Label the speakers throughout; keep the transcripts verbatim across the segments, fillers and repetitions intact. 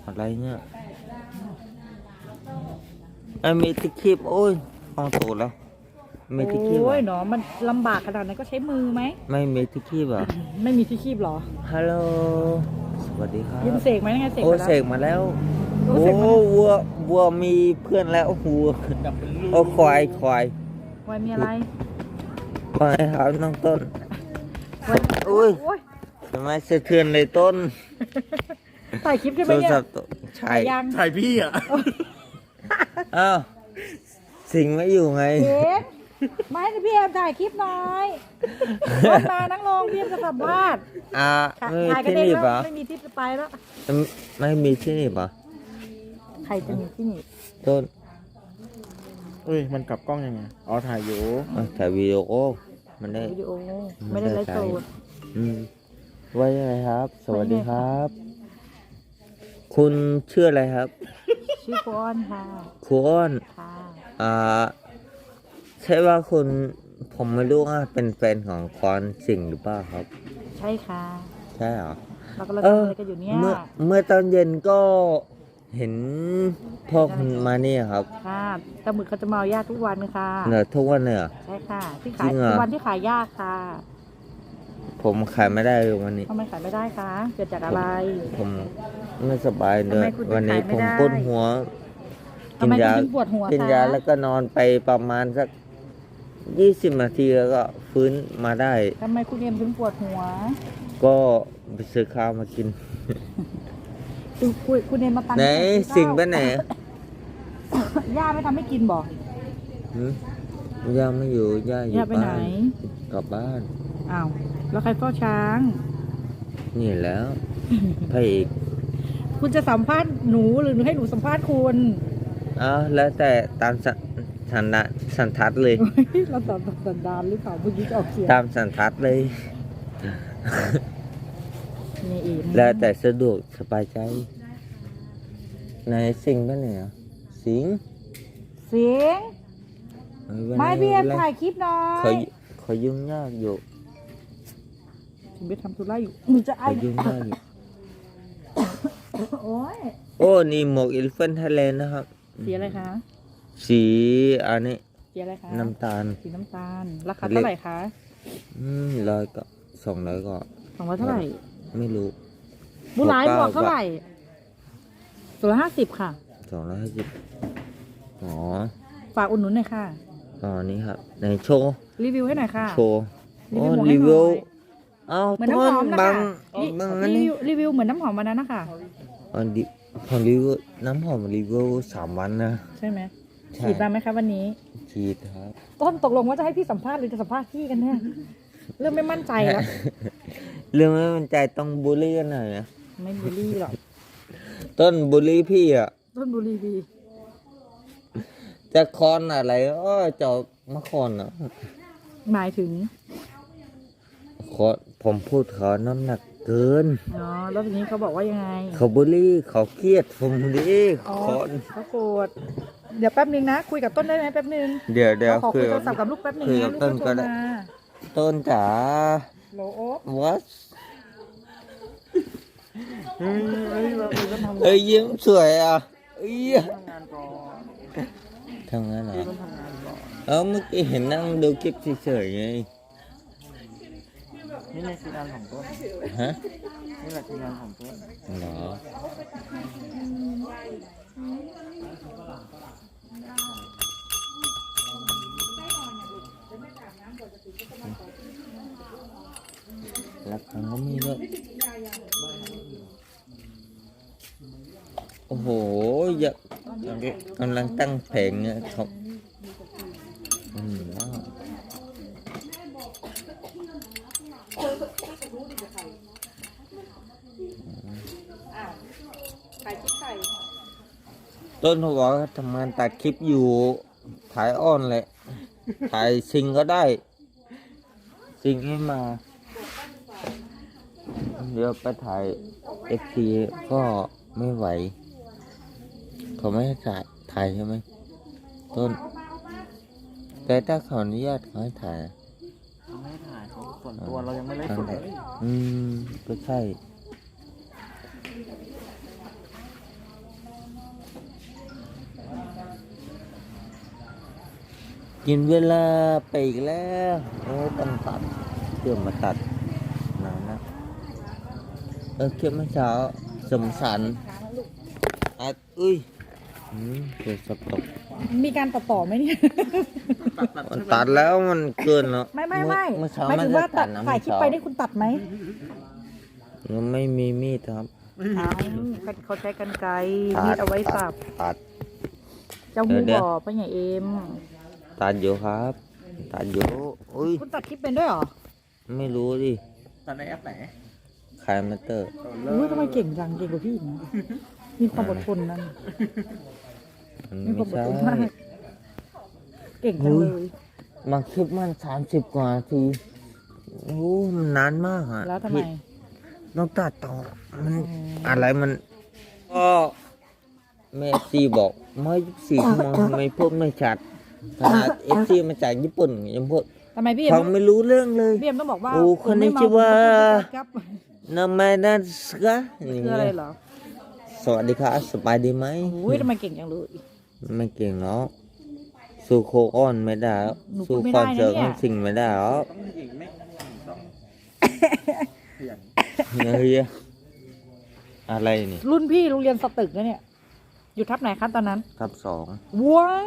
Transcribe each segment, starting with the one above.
Speaker 1: อะไรเนี่ยไอ้มีที่คีบโอ้ยฟังถูกแล้วมีที่คีบ
Speaker 2: โอ้ย
Speaker 1: อ่ะ
Speaker 2: เนาะมันลำบากขนาดนั้นก็ใช้มือไหม
Speaker 1: ไม่มีที่คีบอ่ะ
Speaker 2: ไม่มีที่คีบเหรอ
Speaker 1: ฮัลโหลสวัสดีครับ
Speaker 2: ยืมเสกไหมยังไงเสก
Speaker 1: โอ้
Speaker 2: ไปแล้ว
Speaker 1: เสกมาแล้ว
Speaker 2: โอ้
Speaker 1: โอ้
Speaker 2: เสกมาแล้ว
Speaker 1: วัววัวมีเพื่อนแล้ววัวโอ้ควายควาย
Speaker 2: วายมีอะไร
Speaker 1: ควายครับน้องต้น
Speaker 2: วาย
Speaker 1: อุ้ย
Speaker 2: โอ้ย
Speaker 1: ทำไมสะเทือนเลยต้น
Speaker 2: ถ่ายคลิปใช่ไห
Speaker 1: โท
Speaker 2: ม
Speaker 1: ร
Speaker 2: เนี่ย
Speaker 1: ศัพท์ต้นใช่
Speaker 2: ถ่ายยัง
Speaker 3: ถ่ายพี่อ่ะ
Speaker 1: อ้าวสิงไม่อยู่ไง
Speaker 2: เอ๊ะไม่ให้พี่แอมถ่ายคลิปหน่อยลงมานั่งลงพี่แอมจะสัมภาษณ์
Speaker 1: อ่าไม่มี
Speaker 2: ถ่ายกัน
Speaker 1: ที่
Speaker 2: เอง
Speaker 1: นี่
Speaker 2: แล้ว
Speaker 1: ปะ
Speaker 2: ไม่มีที่จะไปแล้ว
Speaker 1: ไม่มีที่นี่ปะ
Speaker 2: ใครจะมีที่นี่
Speaker 1: ต้น
Speaker 3: เอ้ย มันกลับกล้องยังไง อ๋อ ถ่ายอยู่
Speaker 1: เอาถ่ายวิดีโอมันได้
Speaker 2: วิดีโอไม่ได้ไลฟ์สด
Speaker 1: อืมไว้ยังไงครับ สวัสดี
Speaker 2: ไว้ไง
Speaker 1: ค
Speaker 2: ครั
Speaker 1: รับ บ คุณชื่ออะไรครับ
Speaker 2: ชื่อโฟอนค่ะ
Speaker 1: ครูอ้อน
Speaker 2: ค่ะ
Speaker 1: อ่าใช่ว่าคุณผมไม่รู้ว่าเป็นแฟนของคอนสิงห์หรือเปล่าครับ
Speaker 2: ใช่ค่ะ
Speaker 1: ใช่เหรอ
Speaker 2: เรากำลัง
Speaker 1: เอ
Speaker 2: ทำ
Speaker 1: อ
Speaker 2: อะไรกันอยู่เนี่ย
Speaker 1: เมื่อเมื่อตอนเย็นก็เห็นพ่อคุณมาเนี่ยครับ
Speaker 2: ค่ะตะหมึกเขาจะมาเอายากทุกวันค่ะ
Speaker 1: เหนือทุกวันเลยเหรอ
Speaker 2: ใช่ค่ะ ที่
Speaker 1: จริ
Speaker 2: ขาย
Speaker 1: งเหรอ
Speaker 2: ทุกวันที่ขายยากค่ะ
Speaker 1: ผมขายไม่ได้เลยวันนี้
Speaker 2: ทำไมขายไม่ได้คะเกิดจากอะไร
Speaker 1: ผมไม่สบายเล
Speaker 2: ทำไม
Speaker 1: ย
Speaker 2: คุณถึง
Speaker 1: วันนี้
Speaker 2: ขายไม่
Speaker 1: ผม
Speaker 2: ได้
Speaker 1: ปวดหัว
Speaker 2: ทำไมคุณถึงปวดหัว
Speaker 1: กิน
Speaker 2: คะ
Speaker 1: ยาแล้วก็นอนไปประมาณสักยี่สิบนาทีแล้วก็ฟื้นมาได้
Speaker 2: ทำไมคุณเอ็มถึงปวดหัว
Speaker 1: ก็ไปซื้อข้าวมากิน
Speaker 2: คุณคุณคุณเอ็มมาตัน
Speaker 1: ไหน
Speaker 2: ข้าว
Speaker 1: สิ่งไปไหน
Speaker 2: ย่าไม่ทำให้กินบอก
Speaker 1: หืมย่าไม่อยู่ย่าอยู่
Speaker 2: ย่าไปไหน
Speaker 1: บ้านกลับบ้าน
Speaker 2: อ้าวแล้วใครเฝ้าช้าง
Speaker 1: นี่แล้วพระเอก
Speaker 2: คุณจะสัมภาษณ์หนูหรือหนูให้หนูสัมภาษณ์คุณ
Speaker 1: อ้าวแล้วแต่ตามสันสันดานสันทัดเลย
Speaker 2: เราตอบสันดานหรือเปล่าเมื่อกี้จะออกเสียง
Speaker 1: ตามสันทัดเลย
Speaker 2: นี่เอง
Speaker 1: แล้วแต่สะดวกสบายใจไหนสิงไปไหนอ่ะสิง
Speaker 2: เสียง
Speaker 1: เออวัน
Speaker 2: ไม่
Speaker 1: นี้
Speaker 2: พี่เอ็ม
Speaker 1: วัน
Speaker 2: ถ่ายคลิปหน่อ
Speaker 1: เขา
Speaker 2: ย
Speaker 1: เขายุ่งยากอยู่
Speaker 2: ถึงไปทำธุระอยู่หนูจะไอ
Speaker 1: เขายุ่งยากอยู่
Speaker 2: โอ้ย
Speaker 1: โอ้นี่หมวกอิลเฟนไทยแลนด์นะครับ
Speaker 2: สีอะไรคะ
Speaker 1: สีอันนี้
Speaker 2: สีอะไรคะ
Speaker 1: น้ำตาล
Speaker 2: สีน้ำตาล ราคาเท่าไหร่คะ
Speaker 1: อืมร้อยก็สองร้อยก็
Speaker 2: สองร้อยเท่าไหร่
Speaker 1: ไม่รู้
Speaker 2: บุหลาย
Speaker 1: ห
Speaker 2: ห
Speaker 1: ก
Speaker 2: ม
Speaker 1: เก้า
Speaker 2: วกเท่าไหร่สองร้อยห้าสิบค่ะ
Speaker 1: สองร้อยห้าสิบอ๋อ
Speaker 2: ฝากอุดหนุนหน่อยค่ะ
Speaker 1: อ๋อนี่ครับในโชว์
Speaker 2: รีวิวให้หน่อยค่ะ
Speaker 1: โชว์
Speaker 2: รี
Speaker 1: โอ้
Speaker 2: วิวหมวกให้
Speaker 1: รี
Speaker 2: หน่
Speaker 1: วิว
Speaker 2: อย
Speaker 1: เอ้า
Speaker 2: เหมือน
Speaker 1: ต้
Speaker 2: น้ำหอมนะ
Speaker 1: บั
Speaker 2: คะ
Speaker 1: ง
Speaker 2: รี
Speaker 1: บังอัน
Speaker 2: รี
Speaker 1: นี้
Speaker 2: วิวรีวิวเหมือนน้ำหอมวันนั้นนะคะ
Speaker 1: อ๋อดิผมรีวิวน้ำหอมรีวิวสามวันนะ
Speaker 2: ใช่ไหม
Speaker 1: ใช่
Speaker 2: ฉีดมาไหมคะวันนี้
Speaker 1: ฉีดครับ
Speaker 2: ต้นตกลงว่าจะให้พี่สัมภาษณ์หรือจะสัมภาษณ์พี่กันแน่เริ่มไม่มั่นใจแล้ว
Speaker 1: เรื่องไม่มั่นใจต้องบูลลี่กันหน่อยนะ
Speaker 2: ไม่บูลลี่หรอก
Speaker 1: ต้นบูลลี่พี่อ่ะ
Speaker 2: ต้นบูลลี่พี่
Speaker 1: จะคอนอะไรอ้อเจามาคอนอ่ะ
Speaker 2: หมายถึง
Speaker 1: ขอผมพูดเขาน้ำหนักเกิน
Speaker 2: อ๋อแล้วทีนี้เขาบอกว่ายังไง
Speaker 1: เขาบูลลี่เขาเครียดผมดิ
Speaker 2: อ๋อ
Speaker 1: คอน
Speaker 2: เขาโกรธเดี๋ยวแป๊บนึงนะ คุยกับต้นได้ไหมแป๊บนึง
Speaker 1: เดี๋ยวเดี๋ยว
Speaker 2: เราขอ
Speaker 1: คุ
Speaker 2: คุ
Speaker 1: ย
Speaker 2: ยโท
Speaker 1: กั
Speaker 2: รศัพท์กับลูกแป๊บนึง
Speaker 1: คุย
Speaker 2: นะ
Speaker 1: กับ
Speaker 2: ลูก
Speaker 1: ต้น
Speaker 2: เขาโท
Speaker 1: ก็
Speaker 2: ร
Speaker 1: ได้
Speaker 2: มา
Speaker 1: ต้นจ๋า
Speaker 2: โหลโอ๊บ
Speaker 1: what
Speaker 3: เฮ้ยเฮ้ยเราเราต้องทำ
Speaker 1: เอ้ยยิ้มสวยอ่ะเอ้ย
Speaker 3: ทำงานก่อน
Speaker 1: ทำงานเหรอ
Speaker 3: พี่ต้องทำงานก่อน
Speaker 1: เออเมื่อกี้เห็นนั่งดูคลิปเฉยๆไง
Speaker 3: นี่ในคืองานของต้น
Speaker 1: ฮะ
Speaker 3: นี่แหละคืองานของต้น
Speaker 1: เหรอรักครั้งก็มีด้วยโอ้โหอยากกำลังตั้งเพลงเนี่ยเขาอืมว้าว
Speaker 2: ขายชิ้นไก่
Speaker 1: ต้นเขาบอกว่าทำงานตัดคลิปอยู่ถ่ายอ้อนแหละถ่ายซิงก็ได้ซิงให้มา เดี๋ยวไปถ่ายเอฟซีก็ไม่ไหว เขาไม่ให้ถ่ายถ่ายใช่ไหมต้น แต่ถ้าเขาอนุญาตเขาให้ถ่ายอะ
Speaker 3: เขาไม่ให้ถ่ายเขาส่วนตัวเรายังไม่ได้สดเลย
Speaker 1: อืมก็ใช่กินเวลาไปอีกแล้วโอ้ต้องตัดเพื่อมาตัดนานนะเออเก็บเมื่อเช้าสมสันอัดอุ้ยอืมเกิดสตก
Speaker 2: มีการตัดต่อไหมเนี่ย
Speaker 1: มันตัดแล้วมันเกินแล้ว
Speaker 2: ไม่ไม่ไม่
Speaker 1: เมื่อเช้า
Speaker 2: หมาย
Speaker 1: มั
Speaker 2: ถึ
Speaker 1: น
Speaker 2: ง
Speaker 1: จะ
Speaker 2: ว่าตั
Speaker 1: ตั
Speaker 2: ด
Speaker 1: ดนะ
Speaker 2: ถ่ายคลิปไปนี่คุณตัดไหม
Speaker 1: ยังไม่มีมีดครับ
Speaker 2: อ้าวเขาใช้กันไกร
Speaker 1: ตัด
Speaker 2: มีดเอาไว้สับ
Speaker 1: ตัด
Speaker 2: เจ้าหู
Speaker 1: เดี๋ยว
Speaker 2: บ่อไปไหนเอ็ม
Speaker 1: ตัดอยู่ครับตัดอยู่อุ้ย
Speaker 2: คุณตัดคลิปเป็นด้วยเหรอ
Speaker 1: ไม่รู้ดิ
Speaker 3: ตอนในแอปไหน
Speaker 1: คายมาเตอร์
Speaker 2: อุ้ยทำไมเก่งจังเก่งกว่าพี่อีกนะมีความอดทนนั่น
Speaker 1: มัน
Speaker 2: มีค
Speaker 1: ไม่
Speaker 2: วามอด
Speaker 1: ใช่
Speaker 2: ทนมาก เก่งจังเลย
Speaker 1: บางคลิปมันสามสิบกว่านาทีโอ้มันนานมากอ่ะ
Speaker 2: แล้วทำไม
Speaker 1: พี่ต้องตัดต่อมัน
Speaker 2: อ๋ออ
Speaker 1: อะไรมันก็แม่ซีบอกไม่ยี่สิบสี่ชั่วโมงทำไมพูดไม่ชัดขนาดเอฟซีมาจากญี่ปุ่นยังพูด
Speaker 2: ทำไมพี่เอ็
Speaker 1: ฟั
Speaker 2: ม
Speaker 1: งไม่รู้เรื่องเลย
Speaker 2: พี่เอ็มต้องบอกว่า
Speaker 1: โอ้
Speaker 2: ผม
Speaker 1: คนนี้
Speaker 2: ไม่เมา
Speaker 1: ชื่อว่า
Speaker 2: ผมจะพูดครับ
Speaker 1: นามานัสกะอย่าง
Speaker 2: คือ
Speaker 1: เงี้
Speaker 2: อะไร
Speaker 1: ย
Speaker 2: เหรอ
Speaker 1: สวัสดีครับสบายดีไหม
Speaker 2: อุ้ยทำไมเก่งจังเลย
Speaker 1: ไม่เก่งเนาะสู้โคอ้อนไม่ได้แล้ว
Speaker 2: หนูพู
Speaker 1: สู้
Speaker 2: ดไม่
Speaker 1: คอน
Speaker 2: ได้นะ
Speaker 1: เสิร์ต
Speaker 2: เนี่ย
Speaker 1: มันสิ่งไม่ได้แล้ว
Speaker 3: ต้องหญิงไม่ต้องขยัน
Speaker 1: เฮ้ยอะไรนี่
Speaker 2: รุ่นพี่โรงเรียนสตึกนะเนี่ย อยู่ทับไหนครับตอนนั้น
Speaker 1: ครับสอง
Speaker 2: ว้าว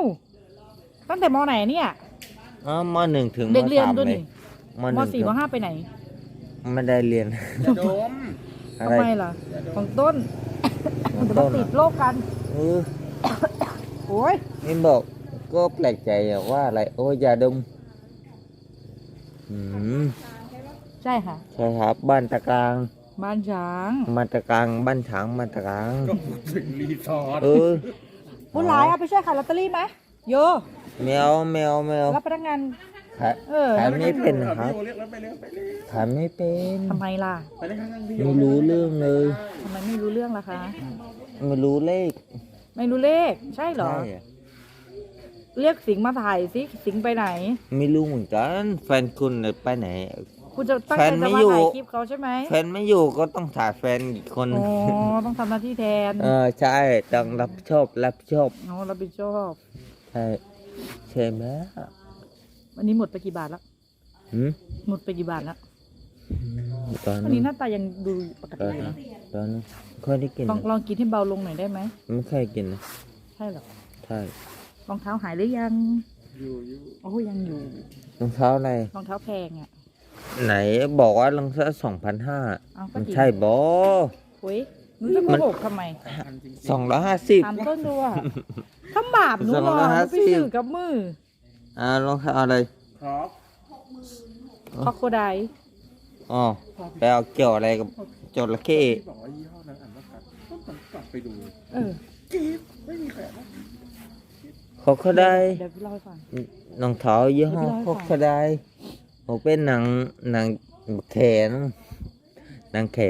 Speaker 2: ตั้งแต่มไหนเนี่ย
Speaker 1: อ๋อมหนึ่งถึงม
Speaker 2: เด็กเรียน
Speaker 1: สาม
Speaker 2: ด้วย
Speaker 1: เลย
Speaker 2: นี่
Speaker 1: ม
Speaker 2: ม
Speaker 1: หนึ่ง
Speaker 2: สี่มห้าไปไหน
Speaker 1: ไม่ได้เรียน
Speaker 3: อย่าดม
Speaker 1: อะ
Speaker 2: ทำ
Speaker 1: ไร
Speaker 2: ไมล่ะ ของต้น
Speaker 1: ของ
Speaker 2: จะ
Speaker 1: ต้
Speaker 2: มาน ติ
Speaker 1: อะ
Speaker 2: ดโรคกัน
Speaker 1: เออ
Speaker 2: โอ้ย
Speaker 1: นี่บอกก็แปลกใจอะว่าอะไรโอ้ยยาดมอืม
Speaker 2: ใช่ค่ะ
Speaker 1: ใช่ครับบ้านตะกลาง
Speaker 2: บ้านช้าง
Speaker 1: บ้านตะกลางบ้านฉางบ้านตะกลาง
Speaker 3: ก็พูดถึงรีสอร์ท
Speaker 1: เออ
Speaker 2: ผู้ร้ายเอาไปช่วยขายลอตเตอรี่ไหมโย
Speaker 1: แมวแมวแมว
Speaker 2: รับพนักงาน
Speaker 1: ขาย
Speaker 2: เออ
Speaker 1: ขายไม่เป็นนะค
Speaker 3: ค
Speaker 1: รั
Speaker 3: รับ บเรียกแล้วไปเร็วไปเร็ว
Speaker 1: ขายไม่เป็น
Speaker 2: ทำไมล่ะ
Speaker 3: ไปเล่นข้างๆพี่
Speaker 1: ไม่รู้เรื่องเลย
Speaker 2: ทำไมไม่รู้เรื่องล่ะคะ
Speaker 1: ไม่รู้เลข
Speaker 2: ไม่รู้เลข ใช่เหรอ
Speaker 1: ใช่อะ
Speaker 2: เรียกสิงห์มาถ่ายสิสิงห์ไปไหน
Speaker 1: ไม่รู้เหมือนกันแฟนคุณน่ะไปไหน
Speaker 2: คุณจะตั้ง
Speaker 1: แฟ
Speaker 2: ใจ
Speaker 1: นไม่
Speaker 2: จะมา
Speaker 1: อยู่
Speaker 2: ถ่ายคลิปเขาใช่ไหม
Speaker 1: แฟนไม่อยู่ก็ต้องถ่ายแฟนอีกคน
Speaker 2: อ๋อต้องทำหน้าที่แทน
Speaker 1: เออใช่ต้องรับผิดชอบรับผิดชอบ
Speaker 2: อ๋อรับผิดชอบ
Speaker 1: ใช่ใช่ไหม
Speaker 2: วันนี้หมดไปกี่บาทแล้ว
Speaker 1: หืม
Speaker 2: หมดไปกี่บาทแล้ว
Speaker 1: ตอน
Speaker 2: วัน
Speaker 1: นี้
Speaker 2: นี้หน้าตายังดูปก
Speaker 1: ตอ
Speaker 2: ติ
Speaker 1: น
Speaker 2: อยู่
Speaker 1: นี้
Speaker 2: นะ
Speaker 1: ตอนนี้ค่อยได้กิน
Speaker 2: ลอง
Speaker 1: นะ
Speaker 2: ลองกินให้เบาลงหน่อยได้ไหม
Speaker 1: ไม่ค่อยกินนะ
Speaker 2: ใช่เหรอ
Speaker 1: ใช่
Speaker 2: รองเท้าหายหรือยัง
Speaker 3: อยู่อยู่
Speaker 2: โอ้ยังอยู่
Speaker 1: รองเท้าอะไร
Speaker 2: รองเท้าแพงอ่ะ
Speaker 1: ไหนบอกว่ารองเท้าสองพันห้า
Speaker 2: เอาก็
Speaker 1: มัน
Speaker 2: จริง
Speaker 1: ใช่บอ
Speaker 2: โอ้ยหนูจะโกหกทำไม
Speaker 3: พันจริงๆ
Speaker 1: สองร้อยห้าสิบ
Speaker 2: ถามต้นดูอ่ะถ้าบาปหนู
Speaker 1: สอง
Speaker 2: หร
Speaker 1: ร้
Speaker 2: อ
Speaker 1: อย
Speaker 2: ห
Speaker 1: ห้า
Speaker 2: นู
Speaker 1: สิบ
Speaker 2: ไปสื่อกับมือ
Speaker 1: อ่ารองเท้าอะไร
Speaker 3: ครับ
Speaker 2: คอโคได
Speaker 1: อ๋อไปเอาเกี่ยวอะไรกับจระเข้
Speaker 3: ที่บอกว่ายี่ห้อนั้นอ่านว่ากัดก็ต้องกลับไปดู
Speaker 2: เออ
Speaker 3: จี๊บไม่มีใครอ่าน
Speaker 1: เขาเขาได้
Speaker 2: เดี๋ยวพี่เล่าให้ฟัง
Speaker 1: รองเท้ายี่ห้อ
Speaker 2: เดี๋ยวพี่เล่าให้
Speaker 1: เขา
Speaker 2: ฟัง
Speaker 1: เขาได้ผมเป็นหนังหนังแขนหนังแข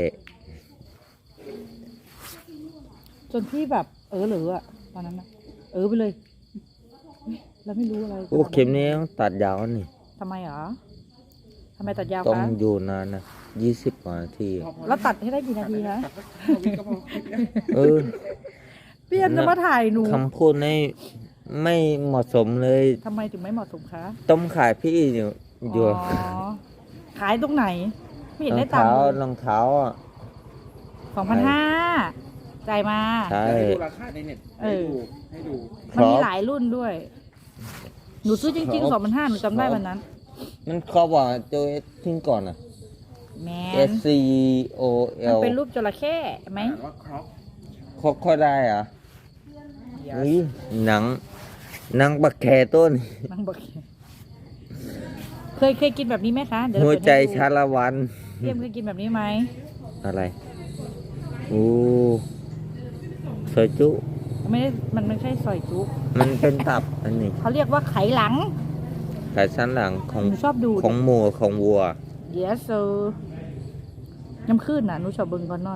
Speaker 2: จนพี่แบบเออเหลืออ่ะตอนนั้นนะเออไปเลยเฮ้ยเราไม่รู้อะไร
Speaker 1: โอ้เข็มนี้ต้องตัดยาวนี่
Speaker 2: ทำไมเหรอทำไมตัดยาว
Speaker 1: ต้อง
Speaker 2: คะ
Speaker 1: อยู่นานนะยี่สิบกว่านาที
Speaker 2: แล้วตัดให้ได้กี่นาทีคะ
Speaker 3: ตัดสักวิก็พอคลิปเนี้ย
Speaker 1: เออ
Speaker 2: พี่เอ็มจะมาถ่ายหนู
Speaker 1: คำพูดนี่ไม่เหมาะสมเลย
Speaker 2: ทำไมถึงไม่เหมาะสมคะ
Speaker 1: ต้มขายพี่อยู่อยู่
Speaker 2: อ๋อขายตรงไหน ไม่เห็น
Speaker 1: รอ
Speaker 2: ได้
Speaker 1: ง
Speaker 2: ตัง
Speaker 1: เท้า
Speaker 2: ค์
Speaker 1: รองเท้าอ่ะ
Speaker 2: สองพันห้าจ่ายมา
Speaker 1: ใช่
Speaker 3: ให้ดูราคาในเน็ต
Speaker 2: เอ
Speaker 3: ให้
Speaker 2: อ
Speaker 3: ดูให้ดู
Speaker 2: มันมี
Speaker 1: ครับ
Speaker 2: หลายรุ่นด้วย หนูซื้อจริงๆสองพันห้าหนูจำได้วันนั้น
Speaker 1: มันเขาบอกโจเอสทิ้งก่อนอ่ะ
Speaker 2: แม
Speaker 1: S
Speaker 2: น
Speaker 1: C O
Speaker 2: มัน
Speaker 1: L
Speaker 2: เป็นรูปจระเข้ไหม
Speaker 3: อ่านว่าครอป
Speaker 1: เขาเขาได้เหรอ่ะเฮ้ยหนังหนังบักแคต้น
Speaker 2: นังบอกเคยเคยกินแบบนี้ไหมคะเดี๋ยว
Speaker 1: หัว
Speaker 2: เราเปิด
Speaker 1: ใจ
Speaker 2: ให้ดู
Speaker 1: ชาละวัน
Speaker 2: เทียมเคยกินแบบนี้ไหม
Speaker 1: อะไรโอ้ซอยจุ
Speaker 2: ไม่ได้มันไม่ใช่ซอยจุ
Speaker 1: มันเป็นตับอันนี้
Speaker 2: เขาเรียกว่าไขหลัง
Speaker 1: ไขสันหลังของ
Speaker 2: หนูชอบดู
Speaker 1: ของหมูของวัว
Speaker 2: เดี๋ยวเซอร์น้ำขึ้นน่ะหนูชอบเบิ่งก่อนนอน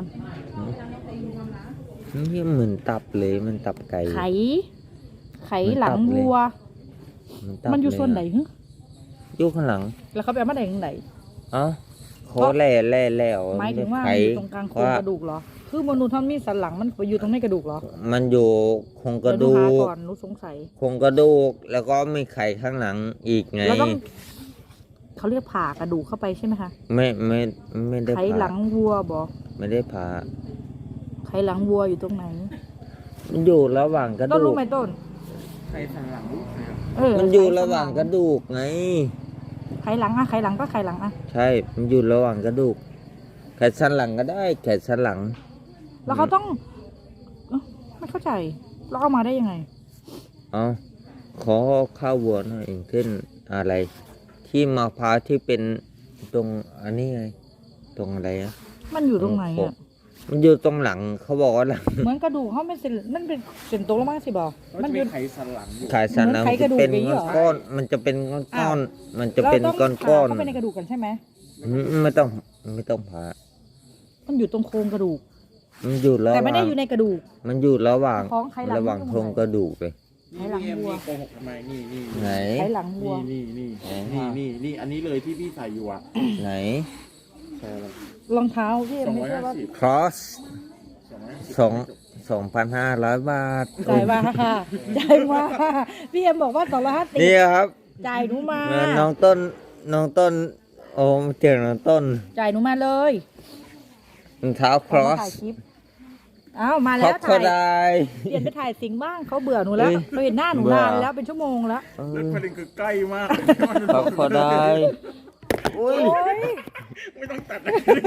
Speaker 1: นี่เหมือนตับเลยมันตับไก่
Speaker 2: ไข ไขหลังวัว
Speaker 1: ตับ
Speaker 2: มันอยู่ส่วนไหน
Speaker 1: เลยะ
Speaker 2: ฮึ
Speaker 1: อยู่ข้างหลัง
Speaker 2: แล้วเขาไปเอามาได้ยังไง
Speaker 1: เอ้าเขาแล่แล่แล้ว
Speaker 2: หมายถึงว่า
Speaker 1: ไข
Speaker 2: มันอยู่ตรงกลางโครง
Speaker 1: ว่าก
Speaker 2: ระดูกเหรอ
Speaker 1: ไ
Speaker 2: คือมนุษย์ท่านมีสันหลังมันไปอยู่ตรงในกระดูกเหรอ
Speaker 1: มันอยู่โครงกระดู
Speaker 2: เยวหนูหาก
Speaker 1: ก
Speaker 2: ก่อนหนูสงสัย
Speaker 1: โครงกระดูกแล้วก็มีไข่ข้างหลังอีกไง
Speaker 2: เราต้องเขาเรียกผ่ากระดูกเข้าไปใช่ไหมคะ
Speaker 1: ไม่ไม่ไม่ได้
Speaker 2: ไข
Speaker 1: ผ่า
Speaker 2: หลังวัวบอ
Speaker 1: ไม่ได้ผ่า
Speaker 2: ไขหลังวัวอยู่ตรงไหน
Speaker 1: มันอยู่ระหว่างกระ
Speaker 2: ต้น
Speaker 1: ดู
Speaker 2: รู้
Speaker 1: ก
Speaker 2: ไหมต้น
Speaker 3: ใครสันหลังลูกใครครับ
Speaker 2: เออ
Speaker 1: มันอยู่ระหว่างกระดูกไง
Speaker 2: ไขหลังอะไขหลังก็ไขหลังอะ
Speaker 1: ใช่ มันอยู่ระหว่างกระดูกแขนสันหลังก็ได้แขนสันหลัง
Speaker 2: แล้วเขาต้องเอ้าไม่เข้าใจเราเอามาได้ยังไง
Speaker 1: เอาขอข้าววัวหน่อยอย่างเช่นอะไร ที่มะพร้าวที่เป็นตรงอันนี้ไง ตรงอะไรอะ
Speaker 2: มันอยู่ตรงไหนอะ
Speaker 1: มันอยู่ตรงหลังเขาบอกว่าหลัง
Speaker 2: เหมือนกระดูกเขาเป็นเส้นมันเป็นเส้นตรงลงมาสิบอ
Speaker 3: มั
Speaker 2: มัน น
Speaker 3: จะ
Speaker 2: อ
Speaker 3: มี
Speaker 2: ยู่
Speaker 3: ไขสันหลังอยู่
Speaker 1: ขายสันหลัง
Speaker 2: เหมือนไขกระดูก
Speaker 1: เป็น
Speaker 2: อย่างนี้เหรอ
Speaker 1: ก้อนๆมันจะเป็นก้
Speaker 2: อ้า
Speaker 1: อ
Speaker 2: ว
Speaker 1: นๆมันจะเป็น
Speaker 2: รา
Speaker 1: ก้
Speaker 2: ต้
Speaker 1: อ
Speaker 2: อง
Speaker 1: น
Speaker 2: ผ่า
Speaker 1: ๆ
Speaker 2: เข้าไปในกระดูกกันใช่ไหม
Speaker 1: อืมไม่ต้องไม่ต้องผ่า
Speaker 2: มันอยู่ตรงโครงกระดูก
Speaker 1: มันอยู่ระห
Speaker 2: แต่ไม่
Speaker 1: ว่า
Speaker 2: ได้
Speaker 1: ง
Speaker 2: อยู่ในกระดูก
Speaker 1: มันอยู่ระหว่าง
Speaker 2: ของไขหลัง
Speaker 1: ระหว่าง
Speaker 2: มัน
Speaker 1: โค
Speaker 2: อยู่
Speaker 1: รง
Speaker 2: ไหน
Speaker 1: กระดูกเลย
Speaker 3: นี่
Speaker 2: ไขหลัง
Speaker 3: พี่เอ็ม
Speaker 2: วัว
Speaker 3: นี่โกหกทำไมนี่นี่
Speaker 1: ไหน
Speaker 2: ไขหลังวัว
Speaker 3: นี่นี่นี่
Speaker 1: ไหน
Speaker 3: นี่นี่นี่อันนี้เลยที่พี่ใส่อยู่อ่ะ
Speaker 1: ไหน
Speaker 3: ใช่แล้ว
Speaker 2: รองเท้าพี่เอ็ม
Speaker 3: สอง
Speaker 2: ไม่
Speaker 3: ร้อย
Speaker 2: ใช่
Speaker 3: ห้า
Speaker 2: ว่า
Speaker 3: สิบ
Speaker 1: cross
Speaker 3: สองร้อยห้าสิบ
Speaker 1: สองสองพันห้าร้อยบาท
Speaker 2: จ่ายมาค่ะจ่ายมาพี่เอ็มบอกว่าสองร้อยห้าสิบ
Speaker 1: นี่ครับ
Speaker 2: จ่ายหนูมา
Speaker 1: เงินน้องต้นน้องต้น โอ้เจอน้องต้น
Speaker 2: จ่ายหนูมาเลย
Speaker 1: รองเท้า
Speaker 2: เอามา
Speaker 1: cross
Speaker 2: ถ่ายคลิปอ้าวมา
Speaker 1: คร
Speaker 2: แล้
Speaker 1: อ
Speaker 2: ว
Speaker 1: สเขา
Speaker 2: ถ่าย
Speaker 1: ได้
Speaker 2: เปลี่ยนไปถ่ายสิงบ้างเขาเบื่อหนูแล้ว
Speaker 1: เอ้ย
Speaker 2: เขาเห็นหน้าหนู
Speaker 1: เบื่อ
Speaker 2: นานแล้วเป็นชั่วโมงแล้ว
Speaker 1: เอ
Speaker 3: แล้ว
Speaker 1: อ
Speaker 3: ประเด็นคือใกล้มาก
Speaker 1: ครอสเขาได้อุ้ย
Speaker 2: โอ้ย
Speaker 3: ไม่ต้องตัดเลย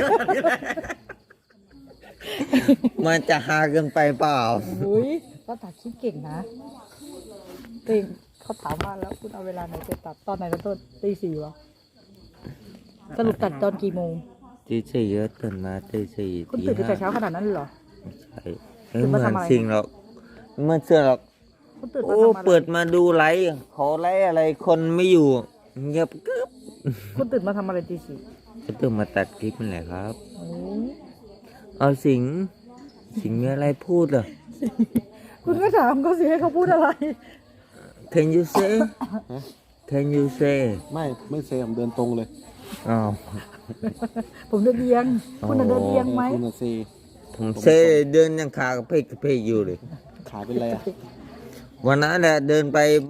Speaker 1: มันจะหาเกินไปเปล่า
Speaker 2: โอ้ยก็ตัดคลิปเก่งนะเก่งเขาถามว่าแล้วคุณเอาเวลาไหนไปตัดตอนไหนกันต้นตีสี่วะสรุปตัดตอนกี่โมง
Speaker 1: ตีสี่ก็ตื่นมาตีสี่
Speaker 2: คุณ
Speaker 1: ตี
Speaker 2: ตื่นตั้งแต่
Speaker 1: ห้า
Speaker 2: เช้าขนาดนั้นเลยเหรอ
Speaker 1: ใช่ไม่
Speaker 2: ตื่น
Speaker 1: เห
Speaker 2: มา
Speaker 1: มือน
Speaker 2: ทำอะไร
Speaker 1: สิ่งหรอกไม่เหมื่อนเสื้อหรอก
Speaker 2: คุณตื่นมา
Speaker 1: โอ้
Speaker 2: ทำอะไร
Speaker 1: เปิดมาดูไลฟ์ขอไลฟ์อะไรคนไม่อยู่เงียบกึ๊บ
Speaker 2: คุณตื่นมาทำอะไรตีสี่
Speaker 1: ก็ต้องมาตัดคลิปนั่นแหละครับ
Speaker 2: โอ้ย
Speaker 1: เอาสิงสิงมีอะไรพูดเหรอ
Speaker 2: คุณก็ถามเขาสิให้เขาพูดอะไร
Speaker 1: Can you say Can you say
Speaker 3: ไม่ไม่เซมเดินตรงเลย
Speaker 1: อ้าว
Speaker 2: ผมเดินเอียง คุณน่ะเดินเอียงไหม
Speaker 3: คุณน่ะเซ
Speaker 1: ผมเซเดินยังขากระเพกกระเพกอยู่เลย
Speaker 3: ขาเป็นไรอ่ะ
Speaker 1: วันนั้นแหละเดินไป